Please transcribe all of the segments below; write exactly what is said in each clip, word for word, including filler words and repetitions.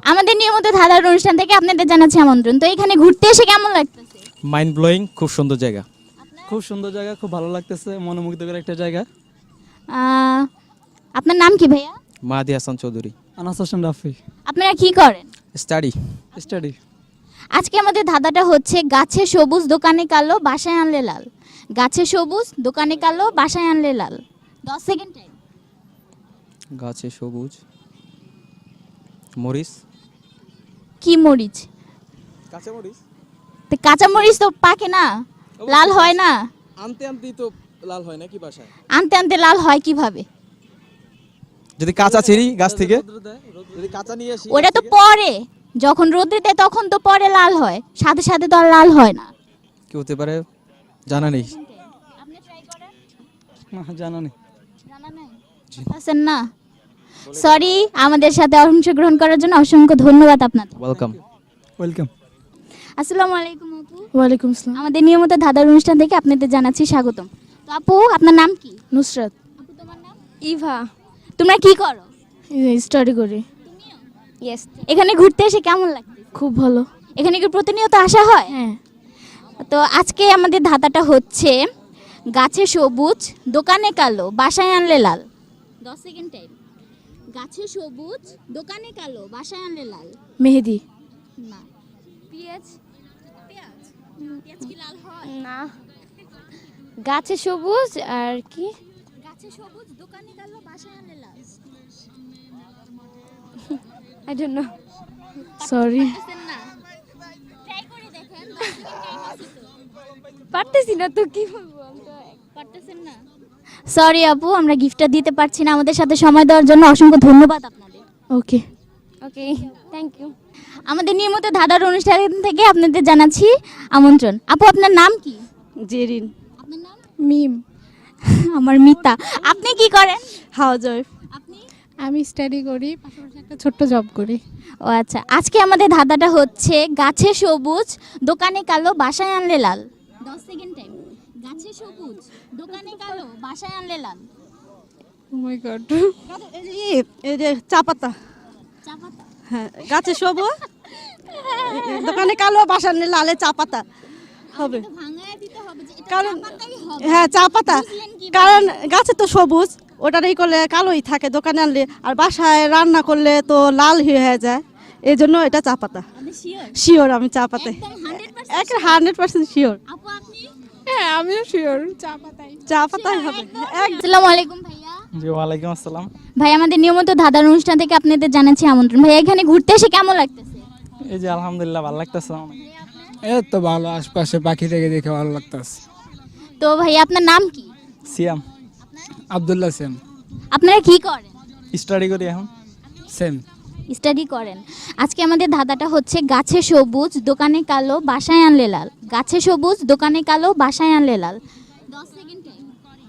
আমাদের নিয়মিত ধাঁধার অনুষ্ঠান থেকে আপনাদের জানাচ্ছি আমন্ত্রণ। তো এখানে ঘুরতে এসে কেমন লাগতেছে? মাইন্ড ব্লোয়িং, খুব সুন্দর জায়গা। খুব সুন্দর জায়গা, খুব ভালো লাগতেছে, মনোমুগ্ধকর একটা জায়গা। আহ, আপনার নাম কি ভাইয়া? মাহাদি হাসান চৌধুরী। আনাস হোসেন রাফি। আপনারা কি করেন? স্টাডি। স্টাডি। আজকে আমাদের ধাঁধাটা হচ্ছে গাছে সবুজ দোকানে কালো বাসায় আনলে লাল। গাছে সবুজ দোকানে কালো বাসায় আনলে লাল। দশ সেকেন্ড টাইম। গাছে সবুজ মরিচ। কি মরিচ? কাঁচা মরিচ। তো কাঁচা মরিচ তো পাকে না, লাল হয় না। আনতে আনতেই তো লাল হয় নাকি বাসায়? আনতে আনতে লাল হয় কিভাবে? যদি কাঁচা ছিঁড়ি গাছ থেকে, যদি কাঁচা নিয়ে আসি ওটা তো পরে, যখন রোদে দেয় তখন তো পরে লাল হয়, সাথে সাথে তো আর লাল হয় না। কি হতে পারে জানা নেই। না, জানা নেই। আছেন না? সরি, আমাদের সাথে অংশগ্রহণ করার জন্য অসংখ্য ধন্যবাদ আপনাদের। ওয়েলকাম। ওয়েলকাম। আসসালামু আলাইকুম আপু। ওয়ালাইকুম আসসালাম। আমাদের নিয়মিত ধাঁধার অনুষ্ঠান থেকে আপনাদের জানাচ্ছি স্বাগতম। তো আপু, আপনার নাম কি? নুসরাত। আপু, তোমার নাম? ইভা। তোমরা কি করো? স্টাডি করি। ইয়েস। এখানে ঘুরতে এসে কেমন লাগে? খুব ভালো। এখানে কি প্রতিনিয়ত আসা হয়? হ্যাঁ। তো আজকে আমাদের ধাঁধাটা হচ্ছে গাছে সবুজ দোকানে কালো বাসায় আনলে লাল। দশ সেকেন্ড টাইম। গাছে সবুজ দোকানে কালো বাসায় আনলে লাল। মেহেদি। না। পেঁয়াজ। পেঁয়াজ পেঁয়াজ কি লাল হয়? না। গাছে সবুজ আর কি? গাছে সবুজ দোকানে কালো বাসায় আনলে লাল। I don't know. সরি। পারতেছেন না? ট্রাই করে দেখেন। দশ সেকেন্ড টাইম আছে তো। পারতেছি না তো, কি বলবো আমি তো। পারতেছেন না? সরি আপু, আমরা গিফটটা দিতে পারছি না। আমাদের সাথে সময় দেওয়ার জন্য অসংখ্য ধন্যবাদ আপনাদের। ওকে। Okay, thank you. আমাদের নিয়মিত ধাঁধার অনুষ্ঠান থেকে আপনাদের জানাচ্ছি আমন্ত্রণ। আপু, আপনার নাম কি? জেরিন। আপনার নাম? মিম। আমার মিতা। আপনি কি করেন? Housewife. আপনি? আমি স্টাডি করি, পাশাপাশি একটা ছোট্ট জব করি। ও আচ্ছা, আজকে আমাদের ধাঁধাটা হচ্ছে গাছে সবুজ দোকানে কালো বাসায় আনলে লাল। দশ সেকেন্ড টাইম। গাছে সবুজ দোকানে কালো বাসায় আনলে লাল। ও মাই গড। এই যে চা পাতা। চা পাতা। হ্যাঁ, গাছে সবুজ দোকানে কালো বাসার লালে চা পাতা হবে। তো ভাঙায় দিতে হবে যে এটা কারণ চা পাতাই হবে। হ্যাঁ, চা পাতা। বুঝলেন কিভাবে? কারণ গাছে তো সবুজ, ওটারই করলে কালোই থাকে দোকানে আনলে, আর বাসায় রান্না করলে তো লাল হয়ে যায়, এই জন্য এটা চা পাতা। আপনি শিওর? শিওর, আমি চা পাতায় একদম হান্ড্রেড পার্সেন্ট। এক হান্ড্রেড পার্সেন্ট শিওর। আপু, আপনি? হ্যাঁ, আমিও শিওর চা পাতাই। চা পাতাই হবে। এক আসসালামু আলাইকুম ভাইয়া। জি, ওয়ালাইকুম আসসালাম। ভাই, আমাদের নিয়মিত ধাঁধার অনুষ্ঠান থেকে আপনাদের জানাচ্ছি আমন্ত্রণ। ভাই, এখানে ঘুরতে এসে কেমন লাগতেছে? এই যে আলহামদুলিল্লাহ, ভালো লাগতেছে আমার। এই তো ভালো, আশপাশে পাখি দেখে দেখে ভালো লাগতেছে। তো ভাই, আপনার নাম কি? সিয়াম। আব্দুল্লাহ সেম। আপনারা কি করেন? স্টাডি করি এখন। সেম। স্টাডি করেন। আজকে আমাদের ধাঁধাটা হচ্ছে গাছে সবুজ দোকানে কালো বাসায় আনলে লাল। গাছে সবুজ দোকানে কালো বাসায় আনলে লাল। দশ সেকেন্ড টাইম।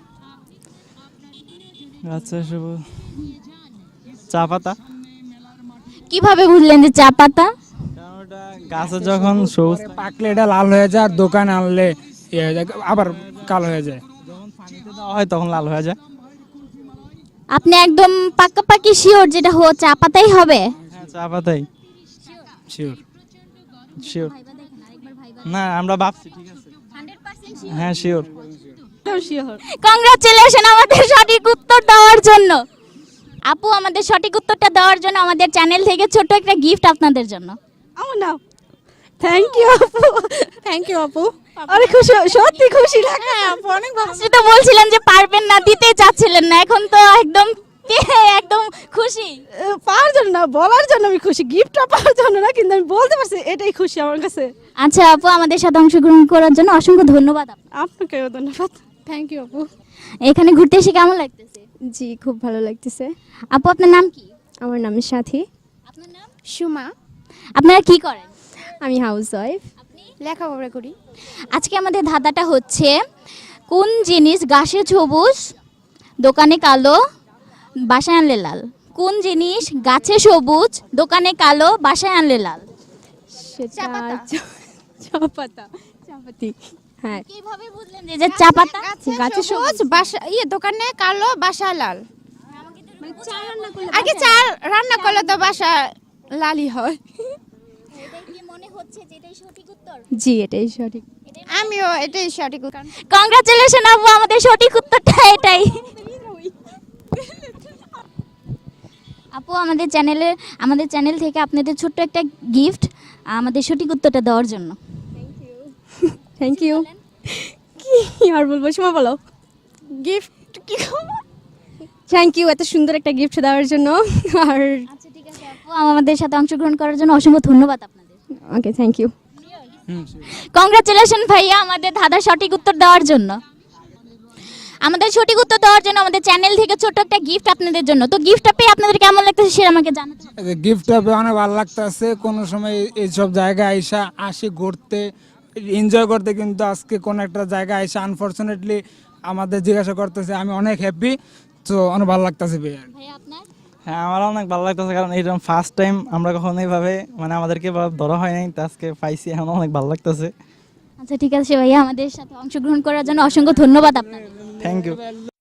আচ্ছা, শুভ চা পাতা। কিভাবে বুঝলেন যে চা পাতা? কারণ ওটা গাছে যখন সবুজ পাকলে এটা লাল হয়ে যায়, আর দোকানে আনলে ইয়ে হয়ে যায়, আবার কালো হয়ে যায়। যখন পানিতে দেওয়া হয় তখন লাল হয়ে যায়। আপনি একদম পাকাপাকি শিওর যেটা হো চা পাতাই হবে? হ্যাঁ, চা পাতাই। শিওর। শিওর। না, আমরা ভাবছি। ঠিক আছে। হ্যাঁ, শিওর। শিওর। কংগ্রাচুলেশন আমাদের সঠিক উত্তর দেওয়ার জন্য। আপু, আমাদের সঠিক উত্তরটা দেওয়ার জন্য আমাদের চ্যানেল থেকে ছোট একটা গিফট আপনাদের জন্য। আমার নাম। থ্যাংক ইউ আপু। থ্যাংক ইউ আপু। অনেক খুশি, সত্যি খুশি লাগে। অনেক ভালো। আপনি তো বলছিলেন যে পারবেন না, দিতে চাচ্ছিলেন না, এখন তো একদম একদম খুশি। পাওয়ার জন্য না, বলার জন্য আমি খুশি, গিফটটা পাওয়ার জন্য না, কিন্তু আমি বলতে পারছি, এটাই খুশি আমার কাছে। আচ্ছা আপু, আমাদের সাথে অংশগ্রহণ করার জন্য অসংখ্য ধন্যবাদ আপনাকে। আপনাকেও ধন্যবাদ। থ্যাংক ইউ আপু। এখানে ঘুরতে এসে কেমন লাগতেছে? জি, খুব ভালো লাগতেছে। আপু, আপনার নাম কি? আমার নাম সাথী। আপনার নাম? সুমা। আপনারা কি করেন? আমি হাউস ওয়াইফ। আপনি? লেখাপড়া করি। আজকে আমাদের ধাঁধাটা হচ্ছে কোন জিনিস গাছে সবুজ দোকানে কালো বাসায় আনলে লাল। কোন জিনিস গাছে সবুজ দোকানে কালো বাসায় আনলে লাল? সেটা চা পাতা। চা পাতা। চাপাতি। হ্যাঁ। কিভাবে বুঝলেন যে এটা চা পাতা? গাছে সবুজ বাসা ইয়ে দোকানে কালো বাসা লাল। মানে চা রান্না করলে আগে চা রান্না করলে তো বাসা লালই হয়। এটাই কি মনে হচ্ছে যে এটাই সঠিক উত্তর? জি এটাই সঠিক। আমিও এটাই সঠিক উত্তর। কংগ্রাচুলেশন আপু, আমাদের সঠিক উত্তরটা এটাই। আপু আমাদের চ্যানেলে আমাদের চ্যানেল থেকে আপনাদের ছোট্ট একটা গিফট আমাদের সঠিক উত্তরটা দেওয়ার জন্য। Thank you. কি আর বলবো, সময় বলো। গিফট কি? থ্যাংক ইউ এত সুন্দর একটা গিফট দেওয়ার জন্য। আর আচ্ছা ঠিক আছে আপু, আমাদের সাথে অংশগ্রহণ করার জন্য অসংখ্য ধন্যবাদ আপনাদের। ওকে থ্যাংক ইউ। কংগ্রাচুলেশন ভাইয়া আমাদের ধাঁধার সঠিক উত্তর দেওয়ার জন্য। আমাদের সঠিক উত্তর দেওয়ার জন্য আমাদের চ্যানেল থেকে ছোট্ট একটা গিফট আপনাদের জন্য। তো গিফটটা পেয়ে আপনাদের কেমন লাগতেছে সেটা আমাকে জানাতে হবে। গিফটটা পেয়ে অনেক ভালো লাগতেছে। কোনো সময় এইসব জায়গায় আইসা আসি ঘুরতে এনজয় করতে, কিন্তু আজকে কোন একটা জায়গায় আইসা আনফরচুনেটলি আমাদের জিজ্ঞাসা করতেছে, আমি অনেক হ্যাপি। তো অনেক ভালো লাগতেছে ভাইয়া। ভাইয়া আপনার? হ্যাঁ আমার অনেক ভালো লাগতেছে, কারণ এইরকম ফার্স্ট টাইম আমরা কখনো এইভাবে মানে আমাদেরকে এভাবে ধরা হয় নাই, তো আজকে পাইছি, এখন অনেক ভালো লাগতেছে। আচ্ছা ঠিক আছে ভাইয়া, আমাদের সাথে অংশগ্রহণ করার জন্য অসংখ্য ধন্যবাদ আপনাদের। Thank you.